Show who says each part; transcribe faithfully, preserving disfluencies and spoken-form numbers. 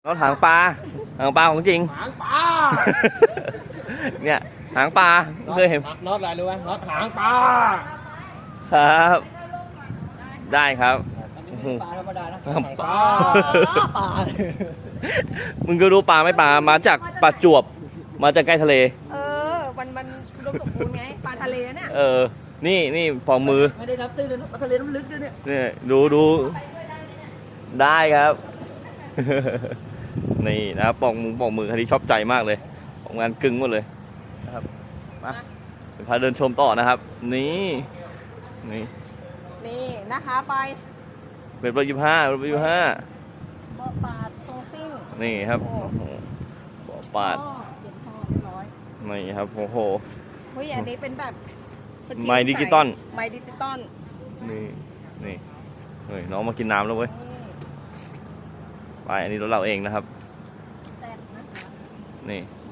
Speaker 1: รถหางปลาหางปลาของจริง
Speaker 2: หางปลา
Speaker 1: เนี่ยหางปลาเคยเห็น
Speaker 2: น็อตอะไรรู้ไหมน็อตหางปลา
Speaker 1: ครับได้ครับ
Speaker 2: ปลาธรรมดานะ
Speaker 1: หางปลา
Speaker 2: ปลา
Speaker 1: มึงก็รู้ปลาไม่ปลามาจากประจวบมาจากใกล้ทะเล
Speaker 3: เออมันมันอุดมสมบูรณ์ไงปลาทะเลเนี่ย
Speaker 1: เออนี่นี่ปองมือ
Speaker 2: ไม่ได้นับตื้นเลยนะปลาทะเลน้ำลึกด้วยเนี่ย
Speaker 1: นี่ดูดูได้ครับ นี่นะครับปองมือปองมือคันนี้ชอบใจมากเลยของงานกึ่งหมดเลยนะครับมาพาเดินชมต่อนะครับนี่นี่
Speaker 3: นี่นะคะไป
Speaker 1: เป็นร้อยยี่สิบห้าเป็นร้อยยี่สิบห้า
Speaker 3: บ่อปลาโซซิ่ง
Speaker 1: นี่ครับบ่อปลา
Speaker 3: เขียนทองเรียบร้อย
Speaker 1: นี่ครับโอ้โห
Speaker 3: เฮ้ยอันนี้เป็นแบบ
Speaker 1: ไมค์ดิจิตอล
Speaker 3: ไมค์ดิจิตอล
Speaker 1: นี่นี่เฮ้ยน้องมากินน้ำแล้วเว้ยไปอันนี้รถเราเองนะครับนี่